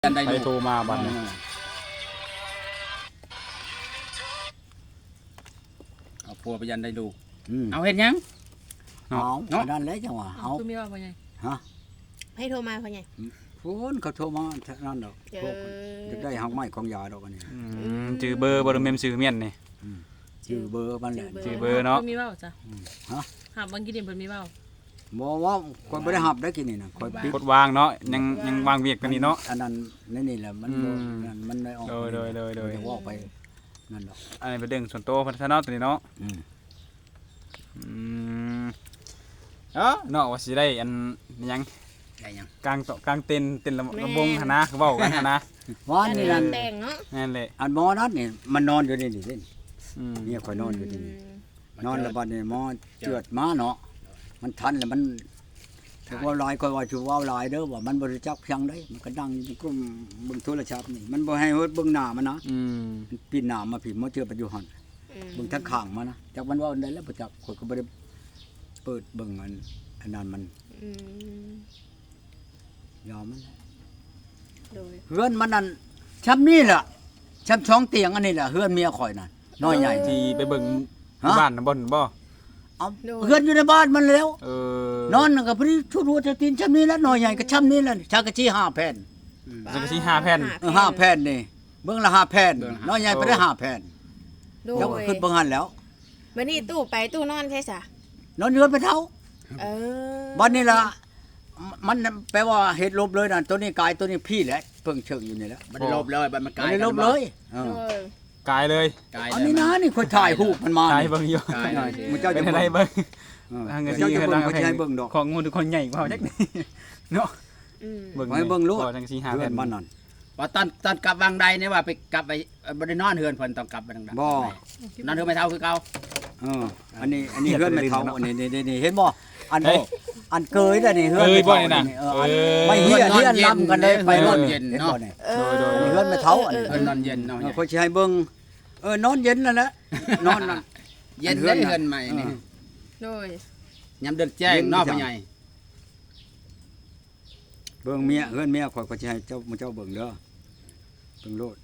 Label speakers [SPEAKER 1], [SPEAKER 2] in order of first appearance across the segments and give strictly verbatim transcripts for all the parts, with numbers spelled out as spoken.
[SPEAKER 1] ใครโทรมาบัดนี้เอาพัวไปยันได้ดูเอาเห็นยัง
[SPEAKER 2] เอาเอานั่นเลยจังหวะเอา
[SPEAKER 3] คือมีว่าพ่อใหญ่
[SPEAKER 2] ฮะ
[SPEAKER 3] ให้โทรมาพ่อใหญ่
[SPEAKER 2] พูนเขาโทรมานั่นดอกพวกจะได้หักไม้ของยาดอกอันนี้
[SPEAKER 4] จือเบอร์บ่ได้แม่นชื่อเมียนนี่
[SPEAKER 2] ชื่อเบอร์มันแหละ
[SPEAKER 4] ชื่อเบอร์เนาะ
[SPEAKER 3] มีว่าจ้ะ
[SPEAKER 2] ฮะ
[SPEAKER 3] หาบางกินเพิ่นมีว่า
[SPEAKER 2] บ่ว่าคนบ่ได้หับได้กินนี่นะคอยปิด
[SPEAKER 4] กดวางเนาะยังยังวางเวียกกันนี่เนาะ
[SPEAKER 2] อันนั้นนี่นี่แหละมัน
[SPEAKER 4] อืม
[SPEAKER 2] นั่นมันได้ออก
[SPEAKER 4] โดยโดยโดยโดย
[SPEAKER 2] มันจะว่าไปนั่นดอก
[SPEAKER 4] อันนี้เป็นเรื่องส่วนตัวพัฒนาตัวนี้เนาะ
[SPEAKER 2] อืม
[SPEAKER 4] อืมเอ้อเนาะว่าสิได้อันหยัง
[SPEAKER 1] ได้ยัง
[SPEAKER 4] กลางโต๊ะกลางเต็นท์เต็นท์ลำลำวงหั่นนะคือเว้ากันหั่นนะ
[SPEAKER 2] ว่านี่นั่น
[SPEAKER 3] แต่งเนาะ
[SPEAKER 4] นั่นแหละ
[SPEAKER 2] อันหมอนัดนี่มันนอนอยู่นี่นี่นี่
[SPEAKER 4] อืม
[SPEAKER 2] เนี่ยคอยนอนอยู่ที่นี่นอนแล้วบัดนี้หมอเจือดมาเนาะมันทันแล้วมันถือว่าหลายคอยว่าถือว่าหลายเด้อว่ามันบ่รู้จักเพียงได้มันก็ดังอยู่ในกลุ่มเบิ่งโทรศัพท์นี่มันบ่ให้เฮ็ดเบิ่งหน้ามันนะ
[SPEAKER 4] อืม
[SPEAKER 2] ปีนหน้ามาผิดมาเจอปัจจุบันเบิ่งทั้งข้างมานะจากมันว่าอันใดแล้วบ่จักข่อยก็บ่ได้เปิดเบิ่งอันอันนั้นมันยอมมัน
[SPEAKER 3] โดย
[SPEAKER 2] เฮือนมันนั่นช้ำนี่ล่ะช้ำช่องเตียงอันนี้ล่ะเฮือนเมียข่อยนั่นน้อยใหญ่
[SPEAKER 4] ที่ไปเบิ่ง
[SPEAKER 2] ฮะ
[SPEAKER 4] บ้านน่ะบ่นบ่
[SPEAKER 2] เอาเฮือนอยู่ในบ้านมันแล้ว
[SPEAKER 4] เออน
[SPEAKER 2] อนนั่นก็พอดีทุรัวจะตีนช้ำนี่แล้วน้อยใหญ่ก็ช้ำนี่แล้วชากะจี้ห้าแผ่น
[SPEAKER 4] จักรสิห้าแผ่น
[SPEAKER 2] เออห้าแผ่นนี่เบิ่งละห้าแผ่นน้อยใหญ่ไปได้ห้าแผ่น
[SPEAKER 3] โด
[SPEAKER 2] เจ้าย ขึ้นเบิ่งหันแล้ว
[SPEAKER 3] วันนี้ตู้ไปตู้นอนใช่ซะ
[SPEAKER 2] นอนเฮือนไปเท่า
[SPEAKER 3] เออ
[SPEAKER 2] วันนี้ละมันแปลว่าเห็ดลบเลยนะตัวนี้กายตัวนี้พี่แหละเพิ่งเชิงอยู่นี่แหละ
[SPEAKER 1] มันได้ลบเลยมันมันก
[SPEAKER 2] มั
[SPEAKER 1] ลาน ย
[SPEAKER 2] ได้ลบเลยเอ
[SPEAKER 3] โด
[SPEAKER 2] อย
[SPEAKER 4] กายเลย
[SPEAKER 1] กลาย
[SPEAKER 2] อันนี้นะนี่คนถ่ายรูปมันมา
[SPEAKER 4] กายเบิ่งอยู่
[SPEAKER 1] กลาย
[SPEAKER 2] มึงเจ้า
[SPEAKER 4] เป็
[SPEAKER 2] จะ
[SPEAKER 4] นอะไร
[SPEAKER 2] เบิ่ง
[SPEAKER 4] เบิ่ง
[SPEAKER 2] เออ
[SPEAKER 4] ทางกะ
[SPEAKER 2] เจ้า
[SPEAKER 4] สิ
[SPEAKER 2] จะ
[SPEAKER 4] คือ
[SPEAKER 2] เบิ่
[SPEAKER 4] ทาง ง
[SPEAKER 2] เขาจะให้เบิ่งดอก
[SPEAKER 4] ของงูทุกคนใหญ่กว่าจักนี่เนาะ
[SPEAKER 3] อืม
[SPEAKER 4] เบิ่ง
[SPEAKER 2] ให้เบิ่งลูก
[SPEAKER 4] พอจังสิห้า
[SPEAKER 2] เพื่
[SPEAKER 4] แผ่
[SPEAKER 2] อน
[SPEAKER 4] น
[SPEAKER 2] มันนั่น
[SPEAKER 1] ว่าตอนตอนกลับวางใดเนี่ยว่าไปกลับไปบ่ได้นอนเฮือนเพิ่นต้องกลับไปดังๆ
[SPEAKER 2] บ่
[SPEAKER 1] นอนเฮือนไม่เท่าคือเก่า
[SPEAKER 2] เอออันนี้อันนี้เฮือนไม่เท่าอันนี้นี่นี่เห็นบ่อันอันเกยแต่นี่เฮือนไม่เท่านี่เอออันไม่เฮียเฮียลำกันเลยไปรถเย็นเนาะนี่
[SPEAKER 3] เออ
[SPEAKER 4] โดย
[SPEAKER 2] อันนี้เฮือนไม่เท่าอันนี้
[SPEAKER 1] เพิ่นนอนเย็นเนาะ
[SPEAKER 2] เออเขาสิให้เบิ่งเออนอนเย็นนั่นแหละนอนนั่น
[SPEAKER 1] เย็นได้เฮือนใหม่นี่
[SPEAKER 3] โดย
[SPEAKER 1] ยามเดือนแจ้งเนาะพ่อใหญ่
[SPEAKER 2] เบิ่งเมียเฮือนเมียข่อยก็สิให้เจ้ามื้อเจ้าเบิ่งเด้อเบิ่งโลด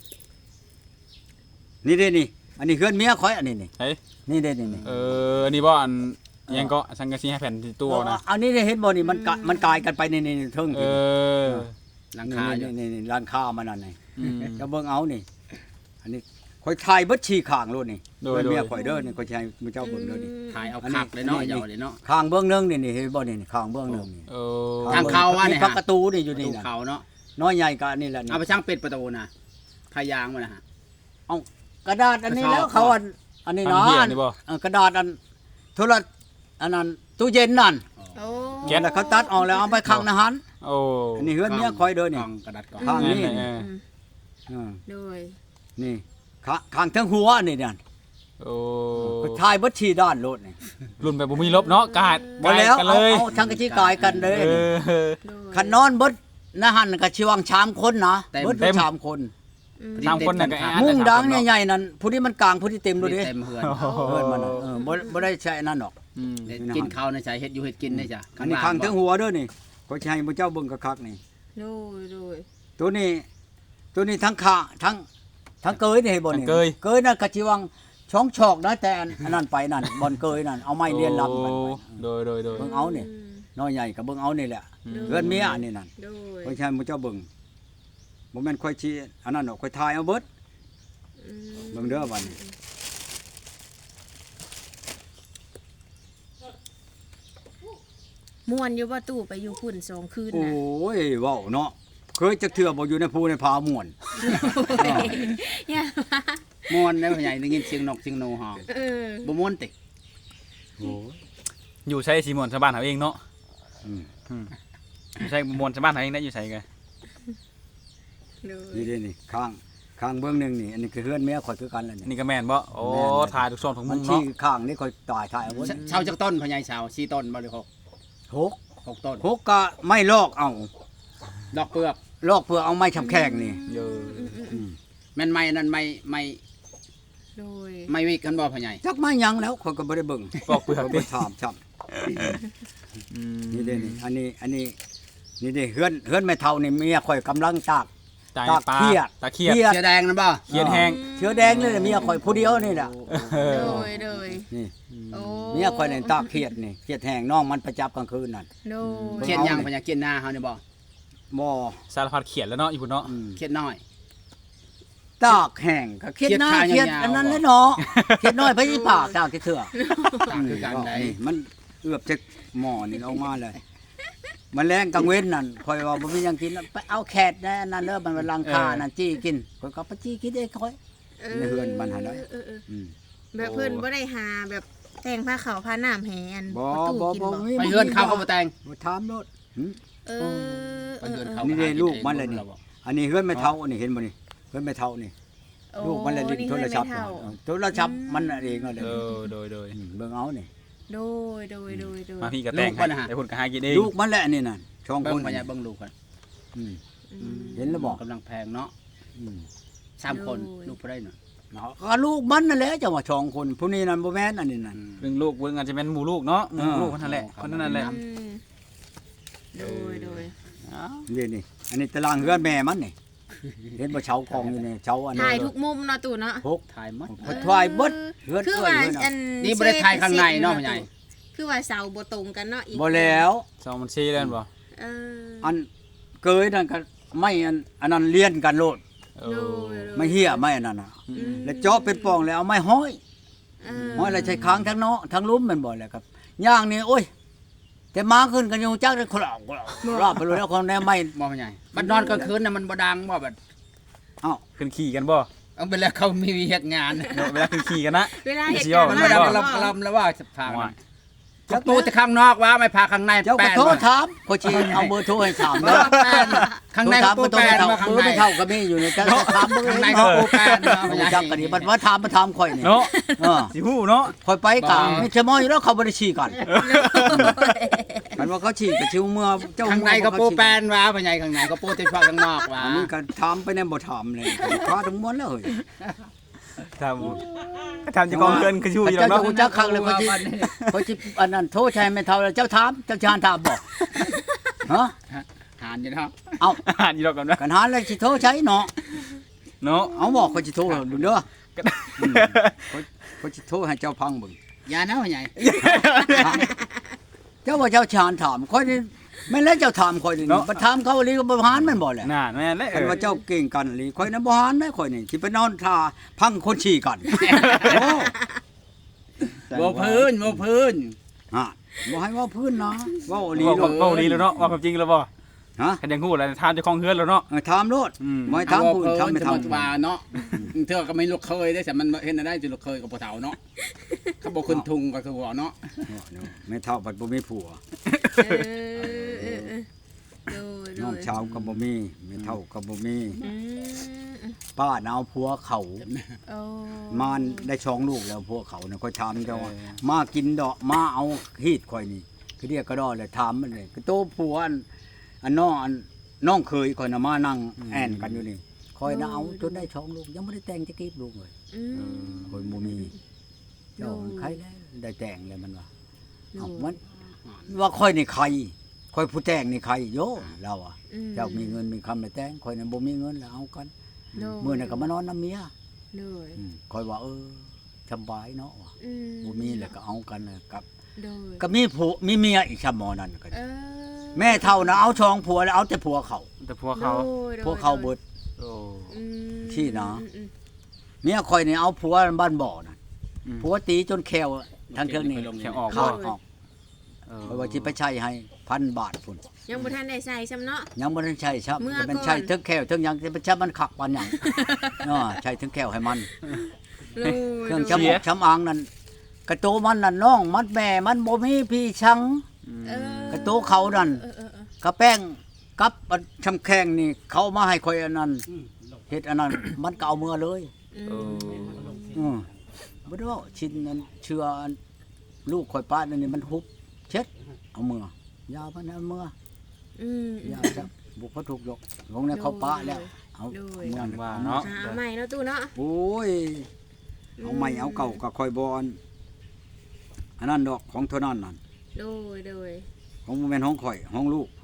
[SPEAKER 2] นี่เด้นี่อันนี้เฮือนเมียข่อยอันนี้นี่
[SPEAKER 4] เฮ้ย
[SPEAKER 2] นี่เด้นี่นี่
[SPEAKER 4] เอออันนี้บ่อันยังก็สังกะสีห้าแผ่นที่ตัวนะ
[SPEAKER 2] อันนี้ได้เห็นบ่นี่มันกะมันกลายกันไปในในเทิง
[SPEAKER 4] เออ
[SPEAKER 1] หลัง
[SPEAKER 2] นี่
[SPEAKER 1] คาอยู่
[SPEAKER 2] นี่นี่ร้านค้ามันนั่นนี่
[SPEAKER 4] อืม
[SPEAKER 2] จะเบิ่งเอานี่ อันนี้ข่อยถ่ายเบิดชี้ข้างโลดนี่
[SPEAKER 4] โดย
[SPEAKER 2] เพิ่น
[SPEAKER 4] โดย
[SPEAKER 2] เมียข่อยเด้อนี่ข่อยสิให้มื้อเจ้าเบิ่งเด้อนี่
[SPEAKER 1] ถ่ายเอาคักเลยเนาะยาวเลยเนาะ
[SPEAKER 2] ข้างเบื้องหนึงนี่นี่เห็นบ่นี่นี่ข้างเบื้องหนึงนี่
[SPEAKER 4] เออ
[SPEAKER 1] ทางเข้าว่านี่
[SPEAKER 2] มี
[SPEAKER 1] ฮะ
[SPEAKER 2] พักประตูนี่อยู่
[SPEAKER 1] ดู
[SPEAKER 2] นี่น่ะ
[SPEAKER 1] เขาเนาะ
[SPEAKER 2] น้อยใหญ่ก็อันนี้แหละนี่
[SPEAKER 1] เอาไปช่างเป็ดประตูนะพายางมานะฮะ
[SPEAKER 2] กระดาษอันนี้แล้วเขาอันอันนี้
[SPEAKER 4] ทาง
[SPEAKER 2] เนาะ
[SPEAKER 4] เหี้ยนี่บ่
[SPEAKER 2] เออกระดาษอันโทรอันนั้นตู้เย็นนั่น
[SPEAKER 3] โอ้
[SPEAKER 4] แก๊ส
[SPEAKER 2] แล้วเขาตัดออกแล้วเอาไปข้างนะหัน
[SPEAKER 4] โอ้
[SPEAKER 2] อันนี้เฮือนเมียข่อยเด้อก นี่
[SPEAKER 1] ล่องกระดาษกล่อง
[SPEAKER 2] ข้างนี้
[SPEAKER 4] เออ
[SPEAKER 2] เออ
[SPEAKER 3] โดย
[SPEAKER 2] นี่ข้าข้างทั้งหัวนี่นั่น
[SPEAKER 4] โอ้
[SPEAKER 2] ถ่ายเบิดชี้ด้านโลดนี่
[SPEAKER 4] รุ่นแบบบ่มีลบเนาะกาด
[SPEAKER 2] บ่แล้ว
[SPEAKER 4] กัน
[SPEAKER 2] เอา
[SPEAKER 4] เลย
[SPEAKER 2] เอาทั้งกะจิกายกันเลย
[SPEAKER 4] เออ
[SPEAKER 3] โดย
[SPEAKER 2] คันนอนเบิดนะหันก็ชิวังชามคนนะเบิด
[SPEAKER 4] เต็ม
[SPEAKER 2] ชามคน
[SPEAKER 3] อืม
[SPEAKER 4] สามคนน่ะก็แออัด
[SPEAKER 2] มุ้งดัง
[SPEAKER 4] เนาะ
[SPEAKER 2] ใหญ่ๆนั่นผู้ที่มันกลางผู้ที่เต็มดูดิ
[SPEAKER 1] เต็มเฮือน
[SPEAKER 2] เพิ่นมันน่ะเออบ่บ่ได้ใช้นั่นหรอก
[SPEAKER 4] อืม
[SPEAKER 1] กินข้าวในใจเฮ็ดอยู่เฮ็ดกินได้จ้ะ
[SPEAKER 2] อันนี้ข้างทั้งหัวเด้อนี่ก็สิให้พระเจ้าเบิ่งคักๆนี่
[SPEAKER 3] โดยโดย
[SPEAKER 2] ตัวนี้ ตัวนี้ทั้งขาทั้งทั้งเกยนี่ให้บ่นี่
[SPEAKER 4] เกย
[SPEAKER 2] เกยน่ะก็สิวังช่องชอกนะแต่อันอันนั้นไปนั่นบ่อนเกยนั่นเอาไม้เลียนลำมันไป
[SPEAKER 4] โดยโดยโดย
[SPEAKER 2] เบิ่งเอานี่น้อยใหญ่ก็เบิ่งเอานี่แหละเฮือนเมียอันนี้นั่น
[SPEAKER 3] โดย
[SPEAKER 2] ค่อยใช้พระเจ้าเบิ่งบ่แม่นค่อยชี้อันนั้นดอกค่อยทายเอาเบิด
[SPEAKER 3] อืม
[SPEAKER 2] เบิ่งเด้อบัดนี้
[SPEAKER 3] ม่วนอยู่ว่าตู้ไปอยู่พุ่นสองคืน
[SPEAKER 2] โอ้
[SPEAKER 3] น่ะ
[SPEAKER 2] ยเว้าเนาะเคยจักเทื่อบ่อยู่ในภูในผาม่วน
[SPEAKER 3] อย่ามา
[SPEAKER 1] ม่วนได้พ่อใหญ่ได้ยินเสียงนกเสียงหนูฮ้อง
[SPEAKER 3] เออ
[SPEAKER 1] บ่ม่วนติ
[SPEAKER 2] โอ้ย
[SPEAKER 4] อยู่ใช้สีม่วนชาวบ้านเขาเองเนาะ
[SPEAKER 2] อืม
[SPEAKER 4] อืมอยู่ใช้ม่วนชาวบ้านเขาเองได้อยู่ใช้กัน
[SPEAKER 3] โดย
[SPEAKER 2] นี่เด้นี่ข้างข้างเบื้องหนึงนี่อันนี้คือเฮือนเมียข่อยคือกันแล้วนี่
[SPEAKER 4] นี่ก็แม่นบ่โอ้
[SPEAKER 2] แม่นเลย
[SPEAKER 4] ถ่ายทุกช่องทุกมุ
[SPEAKER 2] มัน
[SPEAKER 4] ม
[SPEAKER 2] ชี้
[SPEAKER 4] เนาะ
[SPEAKER 2] ข้างนี่ข่อยตายถ่ายเอาเบิด
[SPEAKER 1] เช่าจากต้นพ่อใหญ่เช่าสี่ต้นบ่หรือหก
[SPEAKER 2] หก
[SPEAKER 1] หกต้น
[SPEAKER 2] หกก็ไม่ลอกเอา
[SPEAKER 1] ดอกเปลือก
[SPEAKER 2] ลอกเพื่อเอาไม้ชำแข้งนี่
[SPEAKER 4] เยอะ
[SPEAKER 2] อืม
[SPEAKER 1] แม่นไม้นั่นไม้ไม้
[SPEAKER 3] โดย
[SPEAKER 1] ไม้วิกกันบ่พ่อใหญ่
[SPEAKER 2] จักไม้หยังแล้วข่อยก็บ่ได้เบิ่ง
[SPEAKER 4] ปอกเปลือก
[SPEAKER 2] ข่อย
[SPEAKER 4] ดิ
[SPEAKER 2] บ่ถามชับ
[SPEAKER 4] อืม
[SPEAKER 2] นี่เด้นี่อันนี้อันนี้นี่ดิเฮือนเฮือนแม่เฒ่านี่เมียข่อยกำลังตาก
[SPEAKER 4] ตาย
[SPEAKER 2] ตาก
[SPEAKER 4] ปลา
[SPEAKER 2] เครียด
[SPEAKER 4] ตาเครียด
[SPEAKER 2] เครียด
[SPEAKER 1] เสื้อแดงนั่นบ่
[SPEAKER 4] เครียดแห้ง
[SPEAKER 2] เชื้อแดงนี่แหละเมียข่อยผู้เดียวนี่น่ะ
[SPEAKER 4] เออ
[SPEAKER 3] โดยโดย
[SPEAKER 2] นี่
[SPEAKER 3] โอ้
[SPEAKER 2] เมียข่อยนี่ตากเครียดนี่เครียดแห้งน้องมันประจับกลางคืนนั่น
[SPEAKER 3] โดย
[SPEAKER 1] เขียนหยังพญาเขียนหน้าเฮานี่บ่
[SPEAKER 2] บ่
[SPEAKER 4] สารพัดเขียนแล้วเนาะอีพุ่นเนาะ
[SPEAKER 2] อืม
[SPEAKER 1] เขียนน้อย
[SPEAKER 2] ตากแห้งก็เครียดหน้า
[SPEAKER 1] เครียด
[SPEAKER 2] เครียด
[SPEAKER 1] ขายาวๆ
[SPEAKER 2] อันนั้นแหละเนาะเครียดน้อยไปที่ปากตากที่เถื่อ
[SPEAKER 1] ต่างคือกันใด
[SPEAKER 2] นี่มันเอือบจากหม้อนี่ออกมาเลย มันแรงกลางเว้นนั่นคอยว่าบ่มีหยังกินไปเอาแขกนะนั่นเด้อมันเป็นรังคานั่นจี้กินคอยก็ไปจี้กินเองคอย ในเฮือนมันหาได้
[SPEAKER 3] เออเออ
[SPEAKER 2] อืม
[SPEAKER 3] แบบเพิ่นบ่ได้หาแบบแต่งผ้าขาวผ้าน้ำแหอัน
[SPEAKER 2] บ่
[SPEAKER 3] ประตู
[SPEAKER 2] บ่
[SPEAKER 3] กิน
[SPEAKER 2] บ่
[SPEAKER 3] บ่
[SPEAKER 2] มี
[SPEAKER 1] ไปเฮือนเขาก็บ่แต่ง
[SPEAKER 2] บ่ถามโลดหึ
[SPEAKER 3] เออ
[SPEAKER 1] ไปเฮือนเขา
[SPEAKER 2] นี่
[SPEAKER 1] นี่
[SPEAKER 2] เด้ลูกมันเลยนี่ อันนี้เฮือนไม่เท่าอันนี้เห็นบ่นี่เฮือนไม่เท่านี่ลูกมันเลยลิ้นโทรศัพท์
[SPEAKER 3] เท่า
[SPEAKER 2] น่ะโทรศัพท์มันน่ะเองนั่นแหละ
[SPEAKER 4] เออโดยโดย
[SPEAKER 2] อืมเบิ่งเอานี่
[SPEAKER 3] โดยโดยโดยโดย
[SPEAKER 4] มาพี่ก็แต่งให้ไอ้พุ่นก็หากินเอง
[SPEAKER 2] ลูกมันแหละนี่น่ะช่อง
[SPEAKER 1] เบิ่
[SPEAKER 2] ค
[SPEAKER 1] ง
[SPEAKER 2] น
[SPEAKER 1] พญาเบิ่งลูกกัน
[SPEAKER 2] อืม
[SPEAKER 3] อืม
[SPEAKER 2] เห็นแล้วบอก
[SPEAKER 1] กำลังแพงเนาะ
[SPEAKER 2] อืม
[SPEAKER 1] สามคน
[SPEAKER 3] โอ้ย
[SPEAKER 1] ลูกผู้ใดเนาะ
[SPEAKER 2] เนาะก็ลูกมันนั่นแหละจังว่าช่องคนผู้นี้นั่นบ่แม่นอันนี้นั่น
[SPEAKER 4] เบิ่งลูกเบิ่งอาจจะเป็นหมู่ลูกเนาะหมู่ลูกคนนั่นแหละคนนั้นแหละ
[SPEAKER 3] อืมโดยโดย
[SPEAKER 2] นี่นี่อันนี้ตารางเฮือนแม่มันนี่เห็นบ่เชากองอยู่นี่เชาอันนี้
[SPEAKER 3] ถ่ายทุกมุมเนาะตู่เนาะ
[SPEAKER 2] หก
[SPEAKER 1] ถ่ายหมด
[SPEAKER 2] พอทวายเบิดเฮือน
[SPEAKER 3] คือ
[SPEAKER 2] เอ้ย
[SPEAKER 3] ว่า
[SPEAKER 2] เฮือน
[SPEAKER 3] อั
[SPEAKER 2] น่ะ
[SPEAKER 3] น
[SPEAKER 1] นี่บ่ได้ถ่ายข้างในเนาะพ่อใหญ่
[SPEAKER 3] คือว่าเสาบ่ตรงกันเนาะอีก
[SPEAKER 2] บ่แล้ว
[SPEAKER 4] สองมันชี้แล้วบ่
[SPEAKER 3] เออ
[SPEAKER 2] อันเกยนั่นก็ไม่อันอันนั้นเลียนกันโลด
[SPEAKER 4] เอ
[SPEAKER 3] โด
[SPEAKER 4] อย
[SPEAKER 3] โดย
[SPEAKER 2] ไม่เหี้ยไม่อันนั้นน่ะ
[SPEAKER 3] อืม
[SPEAKER 2] แล้วเจาะเป็นปล่องแล้วเอาไม้ห้อย
[SPEAKER 3] เอ
[SPEAKER 2] ห้อยแล้วใช้ค้างทั้งเนาะทั้งลุ้มแมันบ่แหละครับย่างนี่โอ้ย แต่มาขึ้นกันอยู่จักได้คลอกคลอกรอบไปเลยแล้วคนแน่ไม่
[SPEAKER 1] บ่พ่อใหญ่บัดนอนกลางคืนน่ะมันบ่ดังบ่แบบ
[SPEAKER 2] เอ้า
[SPEAKER 4] ขึ้นขี่กันบ่
[SPEAKER 1] เอาไปแล้วเขามีเฮ็ดงาน
[SPEAKER 4] เนาะเวลาขึ้นขี่กันนะ
[SPEAKER 3] เวลาเหตุ
[SPEAKER 4] สิย่อ
[SPEAKER 3] การณ์
[SPEAKER 4] กัน
[SPEAKER 1] มัน
[SPEAKER 4] บ่
[SPEAKER 1] บ่
[SPEAKER 3] มา
[SPEAKER 1] ดังกระลำกระลำแล้วว่าจะพา
[SPEAKER 4] ว่า
[SPEAKER 1] จักตู้แต่ข้างนอกว่าไม่พาข้างใน
[SPEAKER 2] เจ้าก็
[SPEAKER 1] แป้น
[SPEAKER 2] โทร
[SPEAKER 1] บ่
[SPEAKER 2] ถามก็ชีเอาเบอร์โทรให้ถาม
[SPEAKER 1] บ่
[SPEAKER 2] เด้อ
[SPEAKER 1] แป้นข้างใน
[SPEAKER 2] โทร
[SPEAKER 1] ก็
[SPEAKER 2] ถาม
[SPEAKER 1] ปู
[SPEAKER 2] บ่ต้อง
[SPEAKER 1] แป้น
[SPEAKER 2] เท่า
[SPEAKER 1] มาข้าง
[SPEAKER 2] เบอร์
[SPEAKER 1] ใน
[SPEAKER 2] ไม่เท่าก็มีอยู่ในจักถามเบอร์
[SPEAKER 1] ข้างใน
[SPEAKER 2] ให้
[SPEAKER 1] ก็
[SPEAKER 2] เนาะ
[SPEAKER 1] ปูแป้นเนาะพ่อใหญ่
[SPEAKER 2] จักกันนี่มันว่าถามมาถามข่อยนี่
[SPEAKER 4] เนาะ
[SPEAKER 2] เออ
[SPEAKER 4] สิฮู้เนาะ
[SPEAKER 2] ข่อยไปกลาง
[SPEAKER 1] บ่
[SPEAKER 2] ไม่ใช่มออยู่แล้วเขาบ่ได้ชี้กันมันว่าเขาชี้ก็ชิวเมื่อเจ้า
[SPEAKER 1] ข้างในก็ปูแป้นว่าพ่อใหญ่ข้างในก็ปูที่พาข้างนอกว่า
[SPEAKER 2] อันนี้ก็ถามไปแน่บ่ถามเลยพาทั้งมวลแล้วเฮ้ย
[SPEAKER 4] ทำทำจะกองเกินคือชูอยู่แล้ว
[SPEAKER 2] เจ้า
[SPEAKER 4] เนาะ
[SPEAKER 2] จะจักคักเลยเขาสิเขาสิอันนั้นโทษชัยไม่เท่าแล้วเจ้าถามเจ้าชานถามบอกฮะ
[SPEAKER 1] หานอยู่เนาะ
[SPEAKER 2] เอา
[SPEAKER 4] อ่านอยู่ดอกกันนะ
[SPEAKER 2] กันหาเลยสิโทษใช้เนาะ
[SPEAKER 4] เนาะ
[SPEAKER 2] เอาบอกเขาสิโทษดูเด้ออืมเขาเขาสิโทษให้เจ้าพังเบิ่ง
[SPEAKER 1] อย่านะพ่อใหญ่
[SPEAKER 2] เจ้าว่าเจ้าชานถามค่อยนี่แม่นแล้วเจ้าถามค่อยนี่บ่ถามเขาอีหลีก็บ่หานแม่นบ่แหละ
[SPEAKER 4] น่าแม่นเลยเอ
[SPEAKER 2] คัน
[SPEAKER 4] อ
[SPEAKER 2] ว่าเจ้าเก่งกันอีหลีค่อยนั้นบ่หานได้ค่อยนี่สิไปนอนท่าพังคนฉี่กันโอ้
[SPEAKER 1] บ่พื้นบ่พื้น
[SPEAKER 2] ฮะบ่ให้เว่าพื้นนะเว้าอีหลี
[SPEAKER 4] ว่า
[SPEAKER 2] โลด
[SPEAKER 4] ว่าดีแล้วเนาะว่าความจริงแล้วบ่
[SPEAKER 2] ฮะ
[SPEAKER 4] คันยังฮู้แล้วทานเจะคองเฮือนแล้วเนาะ
[SPEAKER 2] เออถามโลด
[SPEAKER 4] อืม
[SPEAKER 2] บ่ให้ถามผู้อื่นถามไม่
[SPEAKER 1] จะ
[SPEAKER 2] ถาม
[SPEAKER 1] มาว่าเนาะเธอก็ไม่ลูกเคยได้แต่มันเห็นได้จะลูกเคยกับพ่อเฒ่าเนาะเขาบอกขึ้นทุงก็คือว่าเนาะ
[SPEAKER 2] ไม่เท่าบัดบ่มีผัว
[SPEAKER 3] เออเออเออโดยโด
[SPEAKER 2] น้อง
[SPEAKER 3] ย
[SPEAKER 2] ชาวก็บ่มีไม่เท่าก็บ่มี
[SPEAKER 3] อืม
[SPEAKER 2] ป้าน่ะเอาผัวเขา
[SPEAKER 3] โอ้
[SPEAKER 2] มานได้ช่องลูกแล้วผัวเขาน่ะค่อยถามเจ้าว่ามากินดอกมาเอาฮีดข่อยนี่คือเรียกก็ดอเลยถามมันเลยคือโตผัวอันอันน้องอันน้องเคยข่อยน่ะมานั่งแอนกันอยู่นี่ข่อยน่ะเอาจนได้ช่องลูกยังบ่ได้แต่งจะกีบลูกเลย
[SPEAKER 3] อืม
[SPEAKER 2] ข่อยบ่มีเจ้ามันใครแล้วได้แต่งแล้วมันว่า
[SPEAKER 3] โด
[SPEAKER 2] เอ้าย มันว่าข่อยนี่ใครข่อยผู้แต่งนี่ใครโยเราอ่ะ
[SPEAKER 3] อืม
[SPEAKER 2] เจ้ามีเงินมีคำไปแต่งข่อยน่ะบ่มีเงินแล้วเอากัน
[SPEAKER 3] โดย
[SPEAKER 2] มื้อนั้นก็มานอนน้ำเมีย
[SPEAKER 3] โดย
[SPEAKER 2] อืมข่อยว่าเออสบายเนาะว่ะ
[SPEAKER 3] อืม
[SPEAKER 2] บ่มีแล้วก็เอากันน่ะกับ
[SPEAKER 3] โดย
[SPEAKER 2] ก็มีผัวมีเมียอีกชะหมอนั่นก็
[SPEAKER 3] เออ
[SPEAKER 2] แม่เฒ่าน่ะเอาช่องผัวแล้วเอาแต่ผัวเขา
[SPEAKER 4] แต่พวกเขา
[SPEAKER 3] โดยโดย
[SPEAKER 2] ผัวเขาเบิด
[SPEAKER 4] โอ้
[SPEAKER 3] อืม
[SPEAKER 2] ที่นะ
[SPEAKER 3] อืมอืม
[SPEAKER 2] เมียข่อยนี่เอาผัวบ้านบ่อน่ะ
[SPEAKER 4] อืม
[SPEAKER 2] ผัวตีจนแขวทางเทิงนี่
[SPEAKER 4] แขวออก
[SPEAKER 2] ขาดออก
[SPEAKER 4] เออ
[SPEAKER 2] เพราะว่าสิไปใช้ให้พันบาทพุ่น
[SPEAKER 3] ยังบ่ทันได้ใส่ซ้ำเนาะ
[SPEAKER 2] ยังบ่ได้ใช้ครับ
[SPEAKER 3] เมื่อ
[SPEAKER 2] จะเป็น
[SPEAKER 3] ก่อน
[SPEAKER 2] ใช้ถึงแขวถึงหยังจะเป็นใช้มันขักปานหยัง เนาะใช้ถึงแขวให้มัน
[SPEAKER 3] โดย
[SPEAKER 2] เครื่อง
[SPEAKER 3] โดย
[SPEAKER 2] ชำอกชำอางนั่นกระโตมันนั่นน้องมันแม่มันบ่มีพี่ชัง
[SPEAKER 3] เออก
[SPEAKER 2] ระโตเขานั่น
[SPEAKER 3] เออเออเออ
[SPEAKER 2] กระแป้งกับอันชำแข้งนี่เขามาให้ข่อยอันนั้นเฮ็ดอันนั้น มันก็เอามือเลย
[SPEAKER 3] อื
[SPEAKER 4] เอ
[SPEAKER 3] ม
[SPEAKER 4] อ
[SPEAKER 2] อือบ่ได้ว่าชิ้นนั้นเชื่ออันลูกข่อยป้านั่นนี่มันฮุบเช็ดเอามือยามันเอามือ
[SPEAKER 3] อืม
[SPEAKER 2] ยาจับบุกเขาถูกยกลงในเขาป้าแล้วเอา
[SPEAKER 3] โดย
[SPEAKER 2] มือ
[SPEAKER 4] ว่าเนาะ
[SPEAKER 3] หาใหม่เนาะตู้เนาะ
[SPEAKER 2] โอ้ยเอาใหม่เอาเก่าก็ค่อยบอนอันนั้นดอกของเท่านั้นนั่น
[SPEAKER 3] โดยโดย
[SPEAKER 2] ของบ่แม่นของข่อยของลูกพุ่น
[SPEAKER 4] อ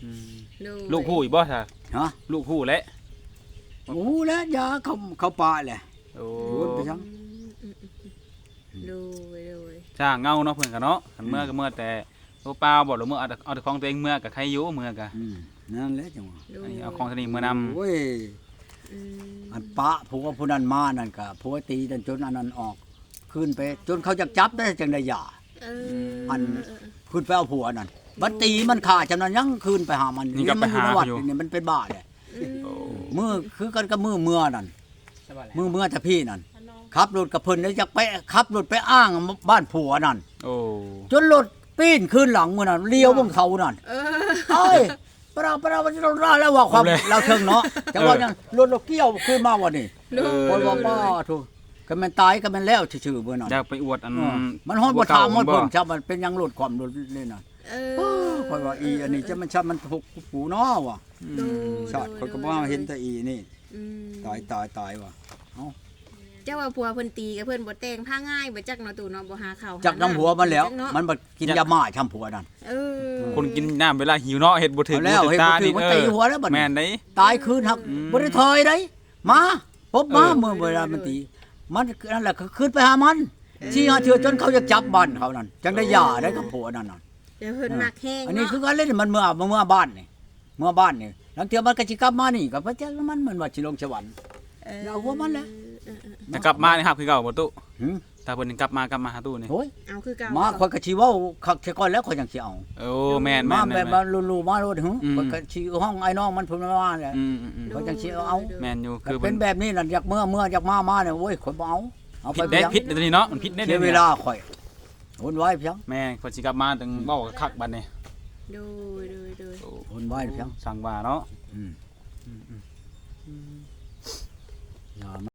[SPEAKER 4] อืม
[SPEAKER 3] โดย
[SPEAKER 4] ลูกผู้อีกบ่ซะ
[SPEAKER 2] ฮะ
[SPEAKER 4] ลูกผู้แหละ
[SPEAKER 2] โอ้แล้วยาเขาเขาปลาแหละ
[SPEAKER 4] โอ้
[SPEAKER 2] โอ้ไปจัง
[SPEAKER 3] อืมๆๆโดยโดย
[SPEAKER 4] จ้างเงาเนาะเพิ่นก็เนาะคันเมื่อก็เมื่อแต่ตัวเปล่าบ่หรือเมื่อเอาแต่เอาแต่ของตัวเองเมื่อก็ใครอยู่เมื่อก็
[SPEAKER 2] อืมนั่นแหละจังหวะ
[SPEAKER 3] โด
[SPEAKER 4] อัน
[SPEAKER 3] ย
[SPEAKER 4] นี้เอาของตัวนี้มื้อนำ
[SPEAKER 2] โอ้ย
[SPEAKER 3] อืม
[SPEAKER 2] อันปะผัวผู้นั้นมานั่นก็ผัวตีจนจนอันนั้นออกขึ้นไปจนเขาจะจับได้จังได้หย่า
[SPEAKER 3] เออ
[SPEAKER 2] อัน ขึ้นไปเอาผัวนั่นบัดตีมันขาดจำนั้นยังคืนไปหามัน
[SPEAKER 4] นี่ก็ไปหา
[SPEAKER 2] มั
[SPEAKER 4] เขา
[SPEAKER 2] น
[SPEAKER 4] อยู่
[SPEAKER 2] อยู่ในวัดนี่มันเป็นบ้าเลย
[SPEAKER 3] อืม
[SPEAKER 4] โอ้
[SPEAKER 2] มือคือกันกับมือเมื่อนั่นมือเมื่อแต่พี่นั่นขับรถกับเพิ่นแล้วจะไปขับรถไปอ้างบ้านผัวนั่น
[SPEAKER 4] โอ้
[SPEAKER 2] จนรถปีนขึ้นหลังมือนั่นเลี้ยวบนเขานั่น
[SPEAKER 3] เออ
[SPEAKER 2] เอ้ยปราปราวันเราราแล้วว่าความเราเชิงเนาะแต่ว่ายังรถเราเกี่ยวขึ้นมาวันนี้
[SPEAKER 3] โดย
[SPEAKER 2] คนว่าป้าถูกก็มันตายก็มันแล้วชื่อๆเบอร์นั่น
[SPEAKER 4] อยากไปอวดอัน
[SPEAKER 2] เออมันฮอดบ่ถามฮอดเพิ่นชาวมันเป็นยังรถความรถเลยน่ะ
[SPEAKER 3] เอ
[SPEAKER 2] โอ้
[SPEAKER 3] อ
[SPEAKER 2] ข่อยว่าอีอันนี้จะมันชามันถูกปูเนาะว่ะ
[SPEAKER 3] โดย
[SPEAKER 2] ชาติข่อยก็บ่เห็นแต่อีนี่
[SPEAKER 3] อืม
[SPEAKER 2] ตายตายตายว่ะ
[SPEAKER 3] เจ้าว่าผัวเพิ่นตีกับเพิ่นบ่แต่งผ้าง่ายบ่จักเนาะตู่เนาะบ่หาข้าวหา
[SPEAKER 2] จักน้ำหัวมันแล้ว
[SPEAKER 3] จักเาะ
[SPEAKER 2] มันบ่กินยาม่าช้ำผัวนั่น
[SPEAKER 3] เออ
[SPEAKER 4] คนกินน้ำเวลาหิวเนาะเฮ็ดบ่ถึง
[SPEAKER 2] เอาแล้ว
[SPEAKER 4] บ่ถึ
[SPEAKER 2] เฮ็
[SPEAKER 4] ง
[SPEAKER 2] ด
[SPEAKER 4] ตา
[SPEAKER 2] บ่ถึ
[SPEAKER 4] นี่
[SPEAKER 2] งมัน
[SPEAKER 4] เอ
[SPEAKER 2] ตี
[SPEAKER 4] อ
[SPEAKER 2] หัวแล้วบัดนี้
[SPEAKER 4] แม่นได้
[SPEAKER 2] ตายคืนครับ
[SPEAKER 4] อืม
[SPEAKER 2] บ่ได้ถอยได้มาพบมา
[SPEAKER 3] เออ
[SPEAKER 2] เมื่อเวลามันตี มันนั่นแหละคือขึ้นไปหามันชี้หาเถื่อจนเขาจะจับบ้านเขานั่นจังได้หย่าได้กับผัวนั่นน่ะ
[SPEAKER 3] เดี๋ยวเพิ่นมักแห้ง
[SPEAKER 2] อันนี้
[SPEAKER 3] เนาะ
[SPEAKER 2] คือการเล่นมันเมื่อเมื่อบ้านนี่เมื่อบ้านนี่หลังเที่ยมันก็สิกลับมานี่ก็บ่จักมันมันว่าสิลงสวรรค์
[SPEAKER 3] เออ
[SPEAKER 2] เอาหัวมันแหละ
[SPEAKER 3] เออเออ
[SPEAKER 4] แต่กลับมานี่ครับคือเก่าบ่ตุ
[SPEAKER 2] หึ
[SPEAKER 4] ถ้าเพิ่นกลับมากลับมาหาตู้นี่
[SPEAKER 2] โอ้ย
[SPEAKER 3] เอาคือเก่า
[SPEAKER 2] มาข่อยก็สิเว้าคักเสียก่อนแล้วข่อยจังสิเอา
[SPEAKER 4] โอ้แม่น
[SPEAKER 2] มา
[SPEAKER 4] แม่น
[SPEAKER 2] แบ
[SPEAKER 4] แม่
[SPEAKER 2] บ
[SPEAKER 4] น
[SPEAKER 2] มาลูๆมาโลดหึ
[SPEAKER 4] อืม
[SPEAKER 2] ข่อยก็สิห้องไอ้น้องมันเพิ่นมาว่าแหละ
[SPEAKER 4] อืมอืมอืม
[SPEAKER 2] เขาจังสิเอา
[SPEAKER 4] แม่นอยู่
[SPEAKER 2] ก็
[SPEAKER 4] คือ
[SPEAKER 2] เป็
[SPEAKER 4] เพิ่
[SPEAKER 2] น
[SPEAKER 4] น
[SPEAKER 2] แบบนี้นั่นอยากเมื่อเมื่ออยากมามาเนี่ยโอ้ยข่อยบ่เอาเอาไป
[SPEAKER 4] ผิดได้
[SPEAKER 2] เพียง
[SPEAKER 4] ผิดเดี๋ยวนี้เนาะมันผิดได้
[SPEAKER 2] เสียเวลาข่อยวุ่นวายเพียง
[SPEAKER 4] แม่คนสิกลับมาถึงเว้าคักบัดนี้
[SPEAKER 3] โดยโดยโดย
[SPEAKER 4] โอ้
[SPEAKER 2] วุ่นวายเพียง
[SPEAKER 4] สั่งว่าเนาะ
[SPEAKER 2] อืม
[SPEAKER 4] อืมอืม